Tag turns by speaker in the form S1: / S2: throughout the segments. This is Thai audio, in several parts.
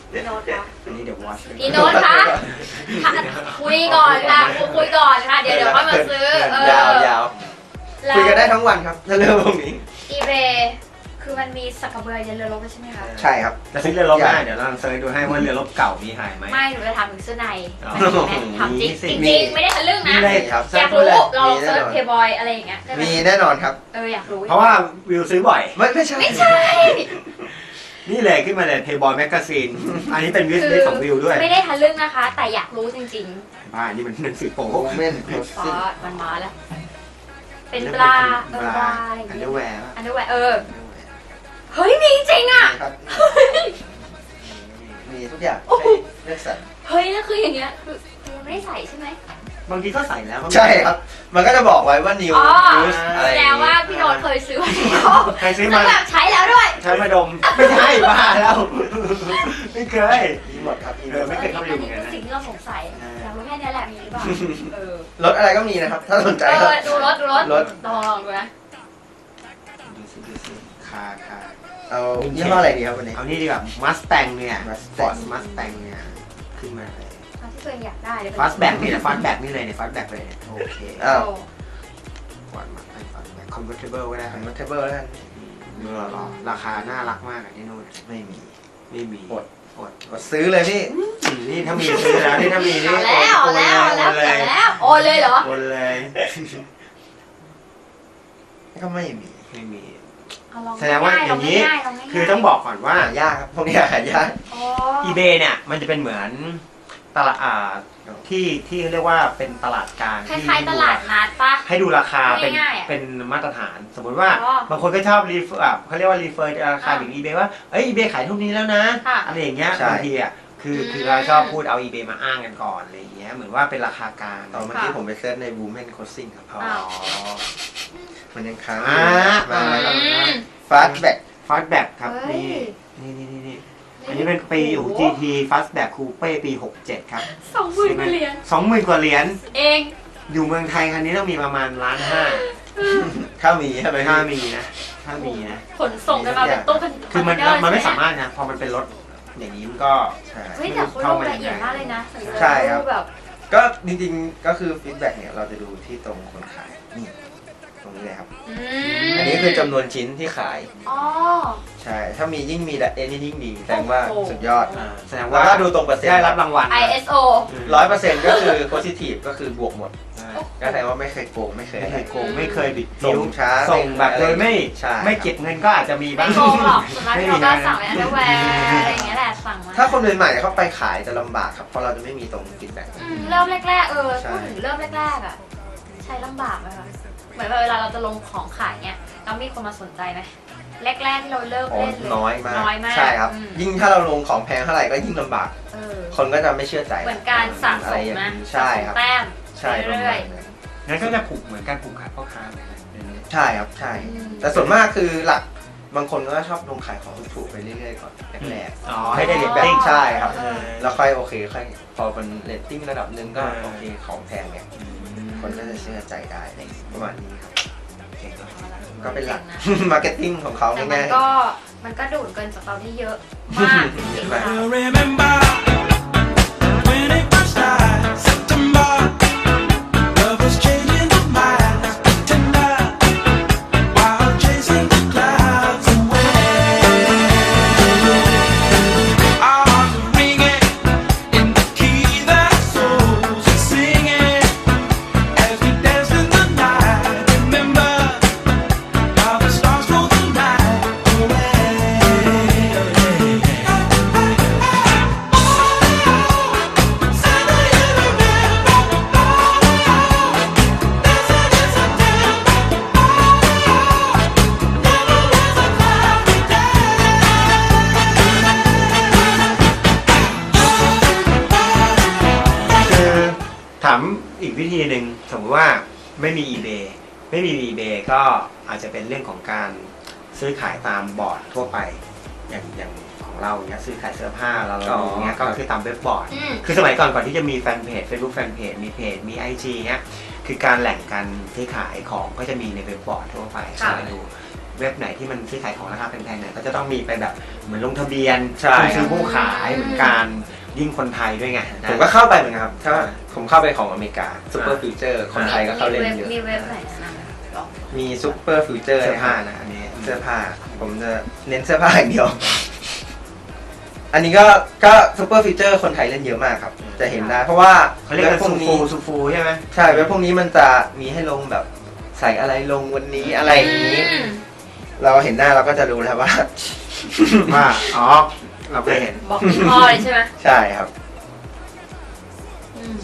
S1: พี่โน้ตคะ
S2: อันนี้เดี๋ยววอช
S1: พี่โน้ตคะคุยก่อนค่ะคุยก่อนค่ะเดี๋ยวค่อยมาซื้อย
S3: าวคุยกันได้ทั้งวันครับถ้าเรื่องพวกนี้
S1: eBay คือมันมีสักกระเบือยันเรือรบใช่ไหมคะ
S3: ใช่ครับ
S2: จะซื้อเรือรบได้เดี๋ยวเราเซิร์ชดูให้ว่าเรือรบเก่ามีหายไหม
S1: ไม่หนูจะถามถึงเสื้อใน
S2: อ๋อ
S1: ถามจริง
S2: มีสิ
S1: จริงๆไม่ได้ทะลึ่งนะ
S2: มีเลย
S3: ครับ
S1: อยากรู้เราเซิร์ชเพย์บอยอะไรอย่างเงี้ยได้ไหม
S3: มีแน่นอนครับ
S1: อยากรู้
S2: เพราะว่าวิวซื้อบ่อย
S3: ไม่ใช่
S1: ไม่ใช่
S2: นี่เลยขึ้นมาเลย Playboy Magazine อันนี้เป็นวิสลิสของวิวด้วย
S1: ไม่ได้ทะลึ่งนะคะ แต่อยากรู้จริง
S2: บ้านี่มันหนังสือโป๊
S3: โอเมน
S1: ๆฟ้ามันมาแล้ว เป็นปลาปลาอะไรอย่าง
S2: อัน
S1: เงี้
S2: เด
S1: ย
S2: อร์แวร์
S1: อันนี้แหวะเฮ้ยมีจริงอ่ะ
S3: ครับมีทุกอย่างเลือกสรร
S1: เฮ้ยนั่นคืออย่างเงี้ยคือยังไม่ได้ใส่ใช่ไหม
S2: บางทีก็ใส่แล้ว
S3: ใช่ครับ มันก็จะบอกไว้ว่า new
S1: อ๋อ
S3: use อะไร
S1: แส
S3: อ
S1: ด
S3: ย่าง ง
S1: ว่า
S3: งี้
S1: พี่โน้ตเคยซื้อมาแล้ว
S2: ใครซื้อ
S1: แล้
S2: มาว
S1: แบบใช้แล้วด้วย
S2: ใช้มาดม ไม่ใช่บ้าแล้ว ไม่เคย
S3: มีหมดครับมีหมด
S2: ไม่เคยเข้าไปดูเหมือนกันนะ
S1: คือสิ่งที่เราสงสัยอยากรู้แค่นี้แหละมีหรือเปล่าร
S3: ถอะไรก็มีนะครับ ถ้าสนใจครับ
S1: ดูรถ
S3: รถ
S1: ลองดูนะ
S2: ดูสิคา
S3: เอายี่ห้ออะไรดีครับวันนี้
S2: เอานี่ดีกว่า Mustang เนี่ย
S3: Mustang
S2: Ford Mustang เนี่ยขึ้นมาเลย
S1: เอาที่ตัวเองอยากได้เลย
S2: Fastback นี่แหละ Fastback นี่เลยเนี่ย Fastback เลยเนี่ยโอเค
S3: อ้าว
S2: Ford Mustang Fastback Convertible ก็ได้
S3: คอนเวอร์เทเบิลแล้วกัน
S2: เมื่อรอราคาน่ารักมากอ่ะที่นู่น
S3: ไม่มี
S2: ไม่มี
S3: อด
S2: อด
S3: กดซื้อเลยพี่
S2: นี่ถ้ามีซื้อแล้วนี่ถ้ามีนี่
S1: เอาแล้วโอนเลยเหรอ
S2: โอนเลย
S3: ก็ไม่มี
S2: ไม่มี
S1: เอาลอง
S2: แสดงว่าอย่างนี้
S1: ลง่ายๆ
S2: คือต้องบอกก่อนว่า
S3: หายากครับพวกนี้หายาก
S1: อ๋อ
S2: eBay เนี่ยมันจะเป็นเหมือนตลาดที่เรียกว่าเป็นตลาดกลาง
S1: คล้ายๆตลาดนัดปะ
S2: ให้ดูราคาเป็น
S1: ง่ายๆอะ
S2: เป็นมาตรฐาน สมมุติว่า
S1: อ๋อ
S2: บางคนก็ชอบรีเฟอร์เขาเรียกว่ารีเฟอร์ราคาถึง eBay ว่าเอ้ย eBay ขายเท่านี้แล้วนะ
S1: ค่ะ
S2: อะไรอย่างเงี้ย
S3: ใช่
S2: บางทีอ่ะคือเราชอบพูดเอา eBay มาอ้างกันก่อนอะไรอย่างเงี้ยเหมือนว่าเป็นราคากลาง
S3: ตอนเมื่อกี้ผมไปเซิร์ชใน Women Crossing ครับ
S2: อ๋อ
S3: มันยังค้าง
S2: อ่า
S3: มาแล้ว
S1: อืม
S3: Fastback
S2: ฟาสแบ็กครับ
S1: เฮ้
S2: นี่
S1: ย
S2: นี่อันนี้เป็นปีของ GT Fastback Coupe ปี 67 ครับ
S1: 20,000กว่าเหรียญ
S2: 20,000 กว่าเหรียญ
S1: เอง
S2: อยู่เมืองไทยคันนี้ต้องมีประมาณล้านห้า
S3: ถ้ามีใช่ไหม
S2: ถ้า
S3: พี่
S2: มีนะถ้ามีนะ
S1: ขนส่งกันมาเป็นตู้คอน
S2: คือมัน
S1: เทเนอร์
S2: มันไม่
S1: ใช่ห
S2: สามารถนะพอมันเป็นรถอย่างนี้มันก็
S3: ใช่
S1: เฮ้ยแต่เขาลงละเอียดมากเลยนะ
S3: ใช่ครับ
S1: แบบ
S3: ก็จริงๆก็คือฟีดแบ็กเนี่ยเราจะดูที่ตรงคนขายนี่ตรงนี้เลยครับ อันนี้คือจำนวนชิ้นที่ขาย
S1: อ๋อ
S3: ใช่ ถ้ามียิ่งมีแต่นี่ยิ่งดีแสดงว่า
S1: โอ้โห
S3: สุดยอด
S2: แสดง
S3: แล้ว
S2: ว่า
S3: ก็ดูตรงเปอร์เซ็นต์
S2: ได้รับรางวัล
S1: ISO
S3: 100%ก็คือ positive ก็คือบวกหมด
S2: ใช่
S3: ก็แสดงว่าไม่เคยโกงไม่เคย
S2: ไม่
S3: อะ
S2: เค
S3: ไร
S2: ยโกงไม่เคยบิด
S3: ส่
S2: นิ้ว
S3: งช้า
S2: ส่งแบบโดยไม่
S3: ใช่
S2: ไม่เก็บเงินก็อาจจะมีบ้า
S1: ไม่
S2: ง
S1: โกงหรอกส่วนมากที่เราก็สั่งเป็นอันเดอร์แวร์อะไรอย่างเงี้ยแหละสั่งมา
S3: ถ้าคนใหม่ๆเข้าไปขายจะลำบากครับ เพราะเราจะไม่มีตรงฟีดแบ็ก
S1: เริ่มแรกๆ
S3: ใช่
S1: พูดถึงเริ่มแรกๆอ่ะใช้ลำบากไหมคะเหมือนแบบเวลาเราจะลงของขายเนี้ยแล้วมีคนมาสนใจไหมแรกๆที่เราเริ่มเล่นเลย
S3: น้อยมาก
S1: น้อยมาก
S3: ใช่ครับ
S1: อืม
S3: ยิ่งถ้าเราลงของแพงเท่าไหร่ก็ยิ่งลำบาก
S1: เออ
S3: คนก็จะไม่เชื่อใจ
S1: เหมือนการสะ
S3: อะ
S1: ส
S3: ไร
S1: ม
S3: อย่าง
S1: นะ
S3: นี้
S1: สะ
S3: ใช่
S1: สม
S3: ครับ
S1: แต้ม
S3: ใช่ประ
S1: เรื่
S3: มา
S1: อย
S3: ณนั้น
S2: งั้นก็จะผูกเหมือนการผูกขาดพ่อค้าเหมือนกัน
S3: ใช่ครับใช่ แต่ส่วนมากคือหลักบางคนก็ชอบลงขายของถูกๆไปเรื่อยๆก่อนแรก
S2: อ๋อ
S3: ๆ
S2: ให้ได้เรต
S3: แบบ
S2: ติ้ง
S3: ใช่ครับ
S1: เออ
S3: แล้วค่อยโอเคค่อยพอเป็นเรตติ้งระดับหนึ่งก็โอเคของแพงเนี่ยคนก็จะเชื่อใจได้อะไรอย่างงี้ประมาณนี้ครับ
S2: เก่งเนอะ
S3: ก็เป็นหลัก
S1: นะ
S3: มาร์เก็ตติ้งของเขา
S1: แต่มัน
S3: ง่าย
S1: ก็มันก็ดูดเกินจากเราได้เยอะมากจริงๆค่ะ
S4: Remember when it first started, September. Love was changing my mind, tender, while chasing the clouds away. Our hearts were ringing in the key that souls are singing as we danced in the night. Remember how the stars stole the night away.
S2: ๆคือถามอีกวิธีหนึ่งสมมติว่าไม่มี eBay ไม่มี eBay ก็อาจจะเป็นเรื่องของการซื้อขายตามบอร์ดทั่วไป อย่างของเราเนี้ยซื้อขายเสื้อผ้าเราดูเนี้ยก็คือตามเว็บบอร์ด
S1: อืม
S2: คือสมัยก่อนที่จะมีแฟนเพจ Facebook แฟนเพจมีเพจมี IG เนี้ยคือการแหล่งการซื้อขายของก็จะมีในเว็บบอร์ดทั่วไป
S1: ค่ะ
S2: เข้าไปดูเว็บไหนที่มันซื้อขายของราคาแพงๆเนี่ยก็จะต้องมีไปแบบเหมือนลงทะเบียน
S3: ใช่
S2: ผู้ซื้อผู้ขายเหมือนกันยิ่งคนไทยด้วยไงนะ
S3: ผมก็เข้าไปเหมือนกันครับถ้าผมเข้าไปของอเมริกาซูเปอร์ฟิวเจอร์คนไทยก็เข้าเล่นเยอะ
S1: มีเว็บไหนแนะนำไหมลอง
S3: มีซูเปอร์ฟิวเจอร์
S2: เสื้อผ้านะอันนี้
S3: เสื้อผ้าผมจะเน้นเสื้อผ้าอย่างเดียว อันนี้ก็ซูเปอร์ฟิวเจอร์คนไทยเล่นเยอะมากครับ จะเห็นได้เพราะว่า
S2: เขาเรียกกัน
S3: พว
S2: ซู
S3: ก
S2: ฟู
S3: นี้
S2: ซูฟูใช่ไหม
S3: ใช่เว็บพวกนี้มันจะมีให้ลงแบบใส่อะไรลงวันนี้อะไรอย่างนี้ เราเห็นหน้าเราก็จะรู้แล้วว่า
S2: ว่าอ๋อเราเคยเห็น
S1: บอกยี่ห้อเลยใช่ไหม
S3: ใช่ครับ
S1: อืม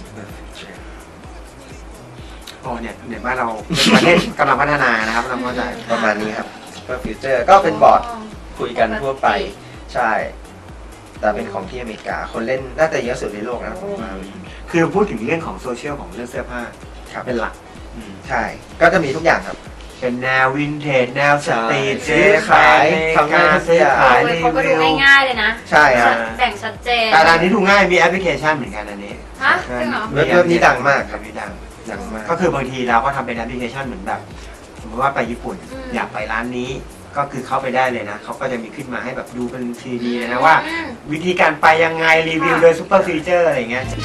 S2: โอ้เนี่ยบ้านเราเป็นประเทศกำลังพัฒนานะครับเราเข้าใจ
S3: ประมาณนี้ครับซูเปอร์ฟิวเจอร์ก็เป็นบอร์ดคุยกันทั่วไป ใช่ แต่เป็นของที่อเมริกาคนเล่นน่าจะเยอะสุดในโลกนะผมว่า
S2: คือพูดถึงเรื่องของโซเชียลของเรื่องเสื้อผ้า
S3: ครับ
S2: เป็นหลัก
S3: ใช่ก็จะมีทุกอย่างครับ
S2: เป็นแนววินเทจแนวสตรีท
S3: ใช่ซื้อขายทำงานทุก
S2: ซื้อ
S3: อย่าง
S2: ขาย
S1: โอ้ย
S2: รี
S1: เขาก็ดู
S2: วิว
S1: ง่ายๆเลยนะ
S3: ใช่ครับ
S1: แบ่งชัดเจน
S2: แต่อันนี้ดูง่ายมีแอปพลิเคชันเหมือนกันอันนี้
S1: ฮะจริงเหรอ
S3: เว็บนี้ดังมากครับ
S2: เว็บนี้ดัง
S3: ดังมาก
S2: ก็คือบางทีเราก็ทำเป็นแอปพลิเคชันเหมือนแบบ สมมติว่าไปญี่ปุ่น อยากไปร้านนี้ก็คือเข้าไปได้เลยนะเขาก็จะมีขึ้นมาให้แบบดูเป็น 3D เลยนะว่า
S1: อืม
S2: วิธีการไปยังไงรีวิว
S1: ค่ะ
S2: โดยซูเปอร์ฟีเจอร์อะไรอย่างเงี้ย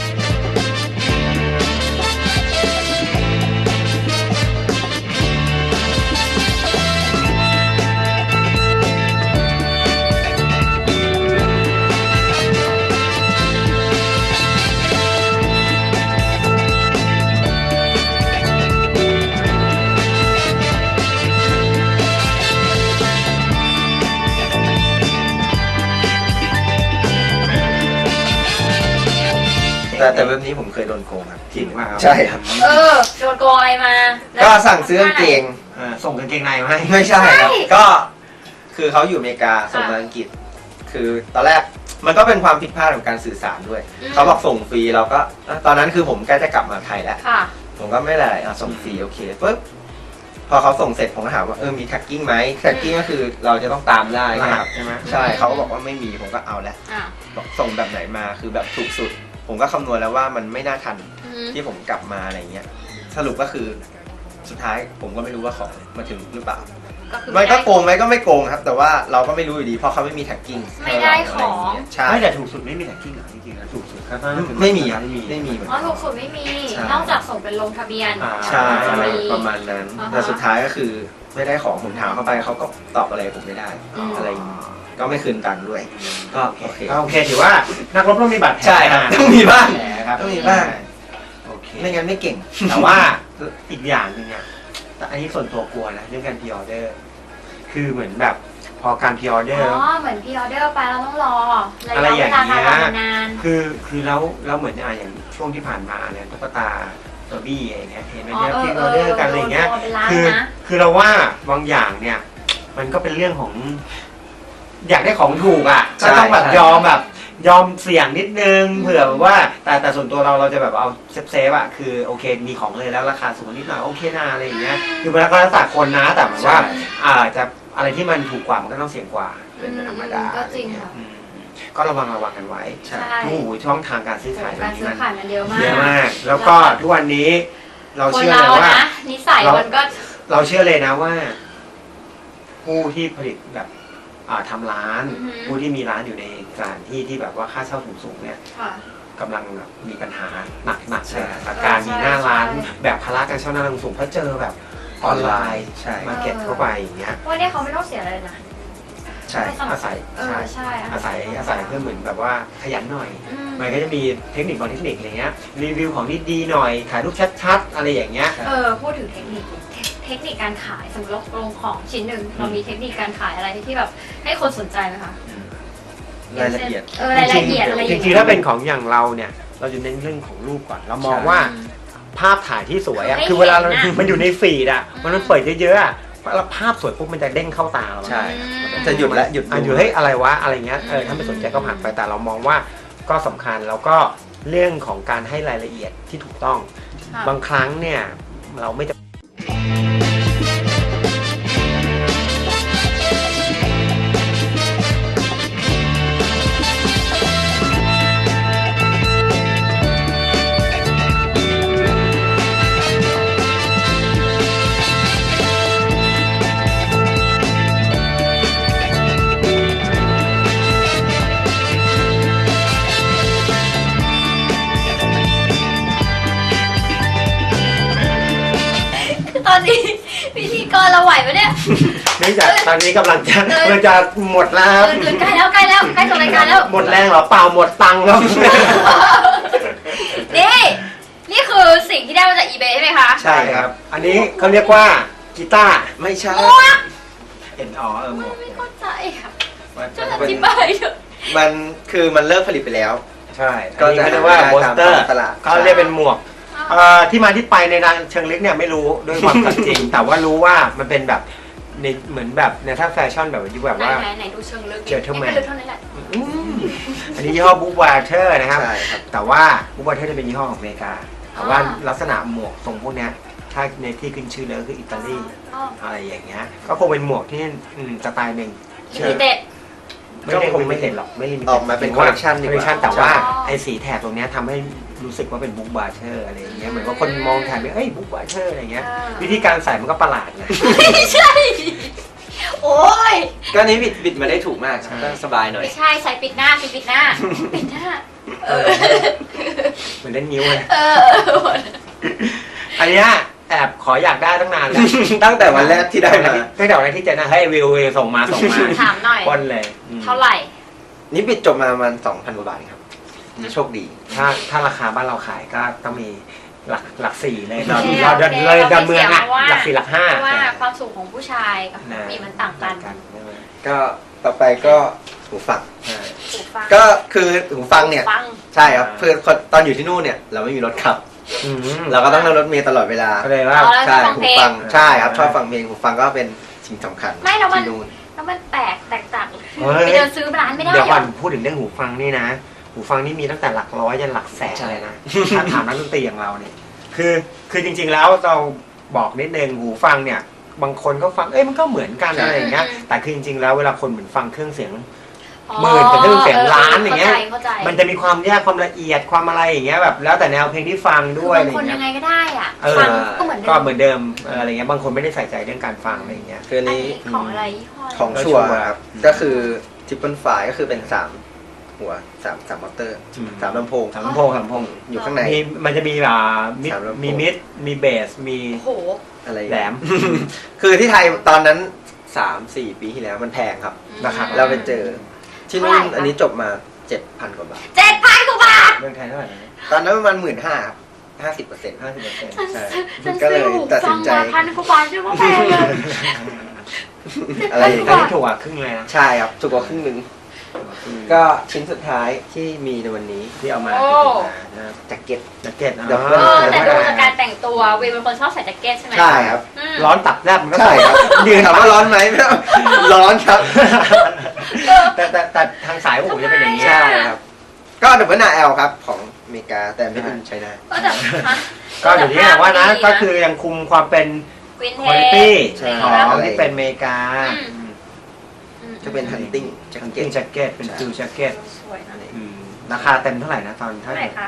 S3: แต่เว็บนี้ผมเคยโดนโกงครับ
S2: จริงว่า
S3: ใช่ครับ
S1: โดนโกงอะไรมาแล้ว
S3: ก็สั่งซื้อกางเกง
S2: ส่งกางเกงในมาให้
S3: ไม่ใช่ครับ
S1: ใช่
S3: ก็คือเขาอยู่อเมริกาส่งมาอังกฤษ คือตอนแรกมันก็เป็นความผิดพลาดของการสื่อสารด้วย เขาบอกส่งฟรีเราก็ตอนนั้นคือผมใกล้จะกลับมาไทยแล้ว
S1: ค่ะ
S3: ผมก็ไม่ได้ส่งฟรีโอเคปุ๊บพอเขาส่งเสร็จผมก็ถามว่ามีแท็กกิ้งไหมแท็กกิ้งก็คือเราจะต้องตามได้
S2: รหั
S3: ค
S2: ส
S3: รับ
S2: ใช่ไหม
S3: ใช่เขาก็บอกว่าไม่มีผมก็เอาแล้ว
S1: อ่ะ
S3: บอกส่งแบบไหนมาคือแบบถูกสุด ผมก็คำนวณแล้วว่ามันไม่น่าทัน
S1: อืม
S3: ที่ผมกลับมาอะไรเงี้ยสรุปก็คือสุดท้ายผมก็ไม่รู้ว่าของมาถึงหรือเปล่า
S1: ก็คือ
S3: มันก็โกงไหมก็ไม่โกงครับ แต่ว่าเราก็ไม่รู้อยู่ดีเพราะเขาไม่มีแท็กกิ้ง
S1: ไม่ได้ของ
S3: ใช่
S2: ไม่แต่ถูกสุดไม่มีแท็กกิ้งเหรอจริงๆแล้วถูกสุดก็น่าจะเป็น
S3: ไม่มี
S2: ไม่มี
S3: เหมือน
S1: อ๋อ
S3: กัน
S1: ถูกสุดไม่มี
S3: ใช่
S1: นอกจากส่งเป็นลงทะเบียน
S3: ใช่
S1: จะมี
S3: ประมาณนั้น
S1: อ่าฮะ
S3: แต่สุดท้ายก็คือไม่ได้ของผมถามเข้าไปเขาก็ตอบอะไรผมไม่ได้
S1: อืม
S3: อะไรอย่างงี้ก็ไม่คืนตังค์ด้วย ก็โอเค
S2: ก็โอเคถือว่านักรบต้องมีบาดแผล
S3: ใช่ครับต้องมีบ้าง
S2: แผลครับ
S3: ต้องมีบ้าง
S2: โอเค
S3: ไม่งั้นไม่เก่ง
S2: แต่ว่าอีกอย่างหนึงอ่ะแต่อันนี้ส่วนตัวกลัวนะเรื่องการพ r ออเดอร์คือเหมือนแบบพอการพ r ออเดอ
S1: อ๋
S2: ร์
S1: อ เหมือนพี่ออเดอร์ไปเราต้องรอระ
S2: อะไร
S1: ยะ
S2: อ
S1: เว
S2: ย่าง
S1: ลา
S2: เงี้
S1: การ
S2: ย
S1: รอนาน
S2: คือแล้วเหมือนอย่างช่วงที่ผ่านมาเนี่ยตุ๊กตาตัวบี้อะไรเงี้ยเห็นไหม
S1: อ๋อ
S2: เนี่ยพ r ออเดอร์กันอะไรเงี้ย
S1: โดนเป็นล้าน
S2: คือ
S1: นะ
S2: คือเราว่าบางอย่างเนี่ย มันก็เป็นเรื่องของ อยากได้ของถูกอ่ะ
S3: ใช่
S2: ก็ต้องแบบ
S3: ใช่
S2: ยอมแบบยอมเสี่ยงนิดนึงเผื่อแบบว่าแต่ส่วนตัวเราจะแบบเอาเซฟอ่ะคือโอเคมีของเลยแล้วราคาสูงนิดหน่อยโอเคนะอะไรอย่างเงี้ยคือมันก็แล้วแต่คนนะแต่หมายว่าจะอะไรที่มันถูกกว่ามันก็ต้องเสี่ยงกว่าเป็นธรรมดา
S1: ก็จริงค่ะ
S2: อืมก็ระวังกันไว้
S1: ใช่
S2: โอ้โหช่องทางการซื้อขาย
S1: การซื้อขายมันเยอะมาก
S2: เยอะมาก แล้วก็ทุกวันนี้เรา
S1: คน
S2: เชื่อ
S1: เรา
S2: เลยว่า
S1: นะนิสัยมันก็
S2: เราเชื่อเลยนะว่า ผู้ที่ผลิตแบบทำร้าน
S1: อือฮึ
S2: ผู้ที่มีร้านอยู่ในสถานที่ที่แบบว่าค่าเช่าสูงๆเนี่ย
S1: ค่ะ
S2: กำลังแบบมีปัญหาหนักๆ
S3: ใช่
S2: เลยกับการมีหน้าร้าน
S1: ใช่
S2: แบบภาระการเช่าหน้าร้านสูงเพราะเจอแบบออนไลน์
S3: ใช่
S2: มาเก็ตเข้าไปอย่างเงี้ย
S1: วันนี้เขาไม่ต้องเสียอะไรเลยนะ
S3: ใช่
S2: อาศัย
S1: ใช่
S2: อาศัยเพื่อเหมือนแบบว่าขยันหน่อย
S1: อืม
S2: มันก็จะมีเทคนิคบางเทคนิคอะไรเงี้ยรีวิวของที่ดีหน่อยถ่ายรูปชัดๆ อะไรอย่างเงี้ย
S1: พูดถึงเทคนิคการขายสมมติเราลงของชิ้นหนึ่งเรามีเทคนิคการขายอะไรที่แบบให้คนสนใจไหมคะ
S3: รายละเอียด
S1: รายละเอียดอะไรอย่าง
S2: จ
S1: เงี้ย
S2: ริงๆถ้าเป็นของอย่างเราเนี่ยเราจะเน้นเรื่องของรูปก่อนเรามองว่าภาพถ่ายที่สวยอะ
S1: ให้
S2: คือเวลาเรา
S1: เห็นอะ
S2: มันอยู่ในฟีดอะมันเปิดเยอะๆอะแล้วภาพสวยปุ๊บมันจะเด้งเข้าตาเรา
S3: ใช่ จะหยุดและหยุด
S2: อยู่เฮ้ยอะไรวะอะไรเงี้ยถ้าไม่สนใจก็ผ่านไปแต่เรามองว่าก็สำคัญแล้วก็เรื่องของการให้รายละเอียดที่ถูกต้อง
S1: ค่ะ
S2: บางครั้งเนี่ยเราไม่จะเนื่องจากตอนนี้กำลังจะหมดแล้วครับ
S1: เกินใกล้แล้วใกล้จบรายการแล้ว
S2: หมดแรงเหรอเปล่าหมดตังค์ครับ
S1: นี่คือสิ่งที่ได้มาจาก eBay ใช่ไหมคะ
S3: ใช่ครับ
S2: อันนี้เขาเรียกว่ากีตาร์
S3: ไม่ใช่
S1: หมวก
S2: เอ็นหมวก
S1: ไม่เข้าใจค่ะช่วย
S3: มั
S1: อน ธิบายเถอะ
S3: มันคือมันเลิกผลิตไปแล้ว
S2: ใช่
S3: ก็
S2: ก็
S3: จะ
S2: จะเรียกว่า
S3: หา
S2: โบสเตอร์
S3: ตามตลาด
S2: ก็เรียกเป็นหมวกที่มาที่ไปในทางเชิงลึกเนี่ยไม่รู้ด้วยความสัตย์จริง แต่ว่ารู้ว่ามันเป็นแบบในเหมือนแบบในถ้าแฟชั่นแบบยุคแบบว่า
S1: ไหนดูเชิงลึก
S2: เจอเท่าแมน
S1: นี่ก็ลึกเท่านั้นแหละ
S2: อันนี้ยี่ห้อบุ๊กวาเทอร์นะครับ
S3: ใช่ครับ
S2: แต่ว่าบุ๊กวาเทอร์จะเป็นยี่ห้อของอเมริกา แต่ว่าลักษณะหมวกทรงพวกเนี้ยถ้าในที่ขึ้นชื่อเลยก็คืออิตาลีอะไรอย่างเงี้ยก็คงเป็นหมวกที่สไตล์หนึ่ง
S1: ลิมิเต็ด
S2: ไม่ได้คงไม่เห็นหรอกไม่ลิมิเต็ด
S3: ออกมาเป็น collection ดีกว่า
S2: collection แต่ว่า
S1: อ๋อ
S2: ไอ้สีแถบตรงเนี้ยทำให้รู้สึกว่าเป็นบุ๊กวาเทอร์อะไรอย่างเงี้ยเหมือนว่าคนมองแถบเนี่ยเอ้ยบุ๊กวาเทอร์อะไรเงี้ยวิธีการใส่มันก็ประหลาดไง
S1: ไม่ใช่ โอ้ย
S3: ก็นี้บิดมาได้ถูกมากครับก็สบายหน่อย
S1: ไม่ใช่ใส่ปิดหน้าปิดหน้า ปิดหน้า
S2: เหมือนเล่นนิ้วเลย
S1: เออ
S2: อันเนี้ยแอบขออยากได้ตั้งนานแล้ว
S3: ตั้งแต่วันแรกที่ได้มา
S2: ตั้งแต่วันแรกที่เจอนะเฮ้ยวิวส่งมา
S1: ถามหน่อย
S2: ป้นเลยอืม
S1: เท่าไหร่
S3: นี่บิดจบมาประมาณ 2,000 กว่าบาทครับนี่โชคดี
S2: ถ้าราคาบ้านเราขายก็ต้องมีหลักสี่เลย
S1: โอเค
S2: เราเดิน
S1: โอเค
S2: เลยดอนเมืองอะ
S1: เราไม่เสียเพราะว่า
S2: หลักสี่หลักห้า
S1: เพราะว่าความสูงของผู้ชายกับผู้หญิงมันต่างกัน
S3: ก็ต่อไปก็หูฟัง
S1: หูฟัง
S3: ก็คือหูฟังเนี่ย
S1: ฟัง
S3: ใช่ครับเพื่อตอนอยู่ที่นู่นเนี่ยเราไม่มีรถขับ
S2: อืม
S3: เราก็ต้องนั่งรถเมล์ตลอดเวลา
S2: ก็เลยว่า
S1: อ๋อ
S3: ใช่
S1: ฟัง
S3: หู
S1: เพลง
S3: ฟังใช่ครับชอบฟังเพลงหูฟังก็เป็นสิ่งสำคัญ
S1: ไม่แล้วมัน
S3: ที่นู่น
S1: แล้วมันแตกต่าง
S2: เฮ้ย
S1: ไปเดินซื้อร้านไม่ได้
S2: เดี๋ยว
S1: เหร
S2: ก่อ
S1: อน
S2: พูดถึงเรื่องหูฟังนี่นะ หูฟังนี่มีตั้งแต่หลักร้อยยันหลักแสนเลยนะถ้าถามนักดนตรีอย่างเราเนี่ยคือจริงๆแล้วเราบอกนิดนึงหูฟังเนี่ยบางคนก็ฟังมันก็เหมือนกันอะไรอย่างเงี้ยแต่คือจริงๆแล้วเวลาคนเหมือนฟังเครื่องเสียง หมื่นกับเครื่องเสียงล้านอย่างเงี้ย
S1: เข้าใจ
S2: มันจะมีความแยกความละเอียดความอะไรอย่างเงี้ยแบบแล้วแต่แนวเพลงที่ฟัง
S1: คื
S2: ด้
S1: อ
S2: วย
S1: บา
S2: อะ
S1: ง
S2: ไร
S1: คน
S2: เงี้
S1: ยั
S2: ย
S1: งไงก็ได้อ่ะ
S2: เออ
S1: ฟังก็เหมือนเดิ
S2: ก็
S1: ม
S2: เหมือนเดิมอะไรเงี้ยบางคนไม่ได้ใส่ใจเรื่องการฟังอะไรอย่างเงี้ย
S3: คืออัน
S1: อัน
S3: นี้
S1: นี้ของอะไรยี่ห้ออะไร
S3: ของชัวร์ครับก็คือทิปเปิลไฟก็คือเป็น3หัว3มอเตอร์3ลำโพง
S2: สามลำโพง
S3: อยู่ข้างใน
S2: มันจะมีมิด
S3: สามลำโพง
S2: มีมิดมีเบสมี
S1: โอ้โห
S3: อะไร
S2: แหลม
S3: คือที่ไทยตอนนั้น 3-4 ปีที่แล้วมันแพงครับ
S2: นะครับ
S3: เราไปเจอที่นู่น
S1: เท่าไหร่คะ
S3: อันนี้จบมา 7,000 กว่าบาท
S1: 7,000 กว่าบาท
S2: เมืองไทยเท่าไหร่นะ
S3: ตอนนั้นประมาณ 15,000 ครับ 50%
S2: 50%
S3: ใช่
S1: ฉัน
S3: ก็เล
S1: ซื้อย หู
S3: ตัด
S1: ฟั
S3: สิ
S1: ง
S3: นใจ
S1: มา1,000 กว่าบาทใช่ไหมแพงเลย
S3: อะไรอย่าง
S2: ก็
S3: เงี้ย
S2: ถูกกว่าครึ่งเลยนะ
S3: ใช่ครับถูกกว่าครึ่งหนึง ก็ชิ้นสุดท้ายที่มีในวันนี้
S2: ที่เอามา
S1: โอ้
S2: นะครับ
S3: แจ็คเก็ต
S2: แจ็คเก็ตนะ
S3: เดี๋ยว
S1: แต่ดูจากการแต่งตัวเวย์เป็นคนชอบใส่แจ็คเก็ตใช่ไหม
S3: ใช่ครับ
S1: อืม
S2: ร้อนตับแลบมันก็
S3: ใช่ครับ
S2: ยืน
S3: ถามว่าร้อนไหมไม่ต้องร้อนครับ
S2: แต่ทางสายพวกผมจะเป็นอย่างนี้
S3: ใช่ครับ ก็ดับเบิลนาแอลครับของอเมริกาแต่ไม่ได้ใช้ได้
S1: ก็แต่ฮะ
S2: ก็อยู่ที่ว่านะก็คือยังคุมความเป็น
S1: วินเท
S2: คุณ
S1: จ
S2: ภาพ
S3: ใช่
S2: ของที่เป็นอเมริกา
S3: จะเป็นฮันติ้งแจ็ค
S2: ทั้ง
S3: เก็
S2: กิ้
S3: ต
S2: งแจ็คเก็ตเป็นฟิลแจ็คเก็ต
S1: สวยนะ
S2: ราคาเต็มเท่าไหร่นะตอน
S1: เท่าไหร่คะ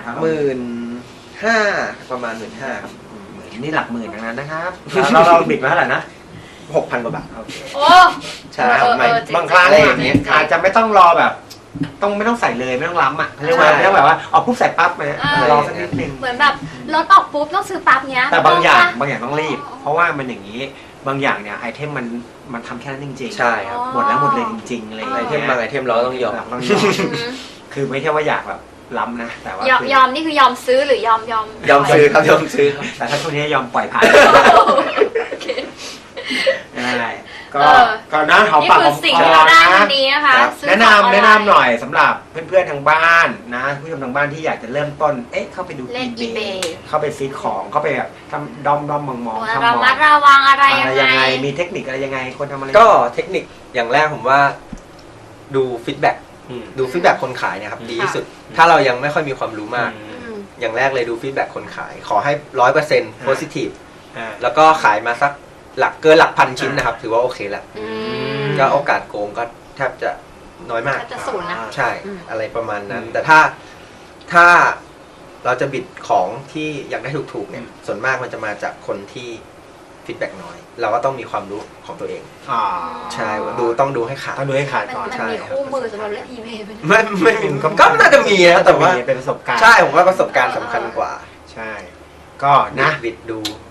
S3: 15,000ประมาณ 15,000ครับ
S2: นี่หลักหมื่นทั้งนั้นนะครับแล้วเราบิดมาเท่าไหร่นะ
S3: 6,000 กว่าบาท
S2: โอเค
S1: โอ้
S3: ใช่ครับไม่
S2: บางครั้ง
S3: อะไรอย่างเงี้ย
S2: อาจจะไม่ต้องรอแบบไม่ต้องใส่เลยไม่ต้องล้ำอ่ะเรียกว่า
S3: ใช่
S2: ไม่ต้องแบบว่าเอาปุ๊บใส่ปั๊บนะรอสักนิดนึง
S1: เหมือนแบบรถออกปุ๊บต้องซื้อปั๊บเนี้ย
S2: แต่บางอย่าง
S1: ต้ปะ
S2: บางอย่างต้องรีบ เพราะว่ามันอย่างนี้บางอย่างเนี่ยไอเทมมันทำแค่นั้นจริงๆ
S3: ใช่ครับ
S2: หมดแล้วหมดเลยจริงๆอะไรอย่าง
S3: ไอ
S2: เงี้ย
S3: เทมบางไอเทมเราก็ต้องยอม
S2: ต้องยอม
S1: อืม
S2: คือไม่ใช่ว่าอยากแบบล้ำนะแต่ว่าย
S1: อม
S2: คือย
S1: อมนี่คือยอมซื้อหรือยอม
S3: ยอมซื้อครับยอมซื้อครับ
S2: แต่ถ้าช่วงนี้ยอมปล่อยผ่าน
S1: โอเค
S2: ได้ก็
S1: เออ
S2: ก็นะหอม
S1: นี่
S2: ปาก
S1: คื
S2: ห
S1: อ
S2: อม
S1: สิ่ง
S2: ค
S1: ที่
S2: อ
S1: เราได้
S2: นะ
S1: วันนี้นะคะ
S3: ครับ
S1: ซื้อ
S2: แนะ
S1: ของ
S2: นำ
S1: ออ
S2: แนะ
S1: ไล
S2: นำหน่อยสำหรับเพื่อนๆทางบ้านนะผู้ชมทางบ้านที่อยากจะเริ่มต้นเข้าไปดู
S1: เล่น eBay
S2: เข้าไปซื้อของเข้าไปแบบทำด้อมมอง
S1: ตัว
S2: ทำ
S1: ระ
S2: มอง
S1: มัดระวังอะไร
S2: อะไร
S1: ยั
S2: ยัง ง
S1: ไง
S2: ไงมีเทคนิคอะไรยังไงคนทำอะไร
S3: ก็เทคนิคอย่างแรกผมว่าดูฟีดแบ็ก
S2: อืม
S3: ดูฟีดแบ็กคนขายเนี่ยครับดีที่
S1: ค่ะ
S3: สุด ถ้าเรายังไม่ค่อยมีความรู้มาก
S1: อืม
S3: อย่างแรกเลยดูฟีดแบ็กคนขาย ขอให้ 100% positive
S2: อ่า
S3: แล้วก็ขายมาสักเกินหลักพันชิ้นนะครับ ถือว่าโอเคแล้ว
S1: อืม
S3: ก็โอกาสโกงก็แทบจะน้อยมาก
S1: แทบจะศูนย์นะ
S3: ใช่
S1: อืม
S3: อะไรประมาณนั้น
S2: อืม
S3: แต่ถ้าเราจะบิดของที่อยากได้ถูกๆเนี่ยส่วนมากมันจะมาจากคนที่ฟีดแบ็กน้อย เราก็ต้องมีความรู้ของตัวเอง
S2: อ่า
S3: ใช่ต้องดูให้ขาด
S2: ต้องดูให้ขาด
S1: มัน
S2: ก่อน
S1: มัน
S3: ใช่
S1: มี
S3: ครับ
S1: คู่มือสำหรับเล่น eBay ไหม
S3: ไม่มีก็น่าจะมีนะแต่ว่า
S2: เป็นประสบการณ์
S3: ใช่ผมว่าประสบการณ์สำคัญกว่า
S2: ใช่ ก็นะ
S3: บิดดู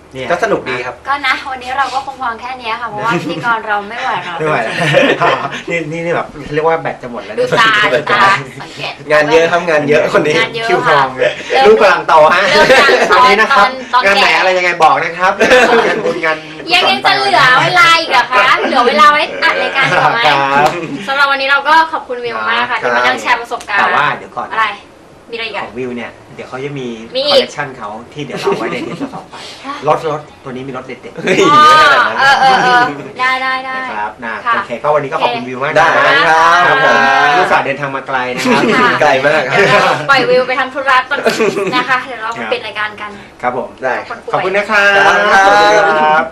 S2: เนี่ย
S3: ก็สนุกดีครับ
S1: ก็นะวันนี้เราก็คงพอแค่เนี้ยค่ะเพราะว่าพิธีกรเราไม่ไหวเรา
S2: ไม่ไหวแล้วนี่แบบเรียกว่าแบตจะหมดแล้ว
S1: ดู
S2: เนี่ย
S1: ตาสังเกต
S3: งานเยอะทำงานเยอะคนนี้
S1: งานเยอะ
S2: คิวท
S1: ค่ะ
S2: องเลย
S1: เริ่ม
S2: ลูกกำลังโตฮะ
S1: เริ่มจากตอน
S2: วันนี้นะครับ
S1: ตอน
S2: งานไหน
S1: แก่
S2: อะไรยังไงบอกนะครับงานบุญงาน
S1: ยังจะเหลือเวลาอีกเหรอคะเหลือเวลาไว้อัดรายการต่อไหม
S2: ครับ
S1: สำหรับวันนี้เราก็ขอบคุณวิวมากค่ะที่มานั่งแชร์ประสบการณ์
S2: แต่ว่าเดี๋ยวก่อน
S1: อะไร มีอะไรอีก
S2: ข
S1: อะ
S2: องวิวเนี่ยเดี๋ยวเขาจะมี
S1: มี
S2: ค
S1: อี
S2: อก ลเลคชันเขาที่เดี๋ยวเราไว้ในเทปต่อไปรถตัวนี้มีรถเด็ด
S3: เฮ้ย
S1: อ๋อ
S3: เยอะขนาดนั้น
S1: ได้
S2: ๆนะครับนะ
S1: ค่ะ
S2: โอเคก็วันนี้ก็ขอบคุณวิวมาก
S3: ได้
S2: นะครับ
S3: ครับผม
S2: ลูกสาวเดินทางมาไกลนะครับ
S1: ค่ะ
S3: ไกลมากครั
S1: เดี๋ยวเรา
S3: บ
S1: ปล่อยวิวไปทำธุระก่อนนะคะ เดี๋ยวเรามาปิดรายการกัน
S2: ครับผม
S3: ได้
S1: คนป่วย
S2: ขอบคุณนะครับ
S3: ครับ
S2: ขอบคุณครับ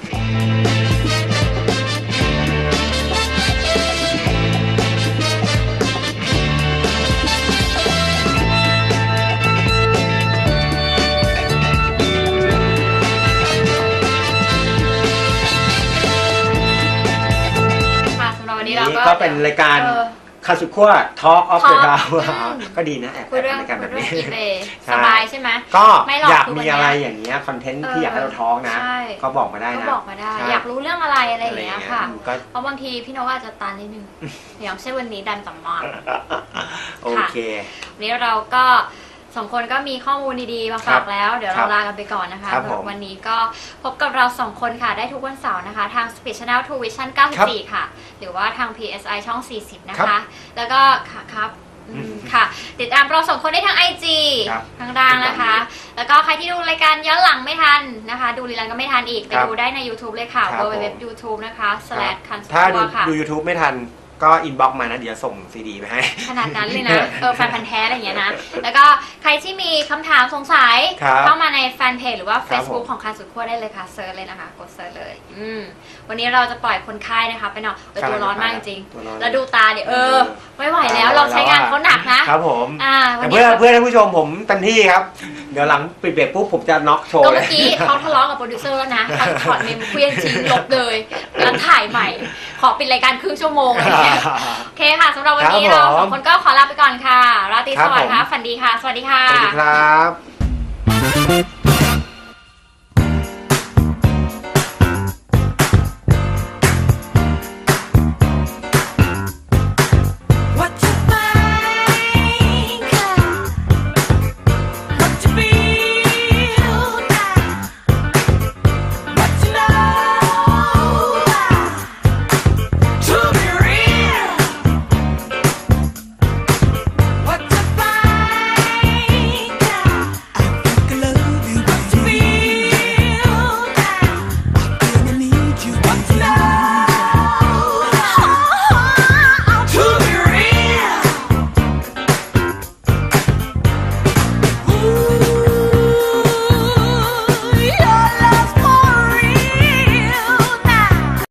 S1: ค่ะสำหรับวันนี้เรา
S2: นี่ก็เป็นรายการ
S1: เออ
S2: คาสุขั้ว Talk of the
S1: Talk
S2: Town
S1: อืม
S2: ก็ดีนะแอบ
S1: คุยเรื่อง
S2: รายการแบบนี้
S1: อีเบย์
S2: ใช่
S1: สบายใช่ไหม
S2: ก็
S1: ไม่หรอก
S2: อยาก
S1: คือ
S2: มี
S1: วันเนี้ย
S2: อะไรอย่างเงี้ยคอนเทนต์ที่อยากให้เราท้องนะ
S1: ใช่
S2: ก็บอกมาได้
S1: ก็
S2: นะ
S1: บอกมาได้
S2: ใช่
S1: อยากรู้เรื่องอะไรอะไรอย่างเงี้ยค่ะ
S2: ก็
S1: เพราะบางทีพี่นกอาจจะตันนิดนึง อย่างเช่นวันนี้ดันต่ำมาก
S2: โอเค
S1: วันนี้เราก็สองคนก็มีข้อมูลดีๆมาฝากแล้ว เดี๋ยว
S2: ครั
S1: เรา
S2: บ
S1: ลากันไปก่อนนะคะ
S2: ครับผม
S1: วันนี้ก็พบกับเราสองคนค่ะ ได้ทุกวันเสาร์นะคะ ทาง Speed Channel 2 Vision 94 ค่ะ หรือว่าทาง PSI ช่อง 40 นะ
S2: ครั
S1: คะ
S2: บ
S1: แล้วก็ครับค่ะ ติดตามเราสองคนได้ทาง IG
S2: ครับ
S1: ทางด้านนะคะ แล้วก็ใครที่ดูรายการย้อนหลังไม่ทันนะคะ ดูรีลันก็ไม่ทันอีก ไป
S2: ครับ
S1: ดูได้ใน YouTube เลยค่ะ
S2: ครับผม
S1: www.youtube นะคะ /คัน
S2: ถ้าดู
S1: ค่ะ
S2: ดู YouTube ไม่ทันก็อินบ็อกมานะเดี๋ยวส่งซีดีไปให้
S1: ขนาดนั้นเลยนะ แฟนพันธ์แท้อะไรอย่างเงี้ยนะ แล้วก็ใครที่มีคำถามสงสัย
S2: ครับ
S1: เข้ามาในแฟนเพจหรือว่า
S2: ครับ
S1: Facebook
S2: ผม
S1: ของคันสุดขั้วได้เลยค่ะเซิร์ชเลยนะคะ กดเซิร์ชเลย วันนี้เราจะปล่อยคนไข้นะคะไปนอนตัวร้อนมากจริง
S2: ตัวร้อน
S1: แล้วดูตาเดี๋ยวไม่ไหวแล้วเราใช้งานเขาหนักนะครับ
S2: ผม
S1: วั
S2: แต่
S1: น
S2: เพื่
S1: นี้
S2: อเพื่อนท่านผู้ชมผมเต็มที่ครับ เดี๋ยวหลังปิดเบรกปุ๊บผมจะน็อกโชว์
S1: ก็
S2: เล
S1: เมื่
S2: ย
S1: อกี้เขาทะเลาะกับโปรดิวเซอร์แล้วนะเขาถอดเมมเคลื่อนทิ้งลบเลยแล้วถ่ายใหม่ ขอปิดรายการครึ่งชั่วโมงอะไรเงี้ยโอเคค่ะสำหรับวันนี้
S2: ครับ
S1: เรา
S2: ผม
S1: สองคนก็ขอลาไปก่อนค่ะ ราตรี
S2: ครั
S1: ส
S2: บ
S1: วัสดิ์ค่ะ
S2: ผม
S1: ฝันดีค่ะ สวัสดีค่ะ
S2: สวัสดีครับ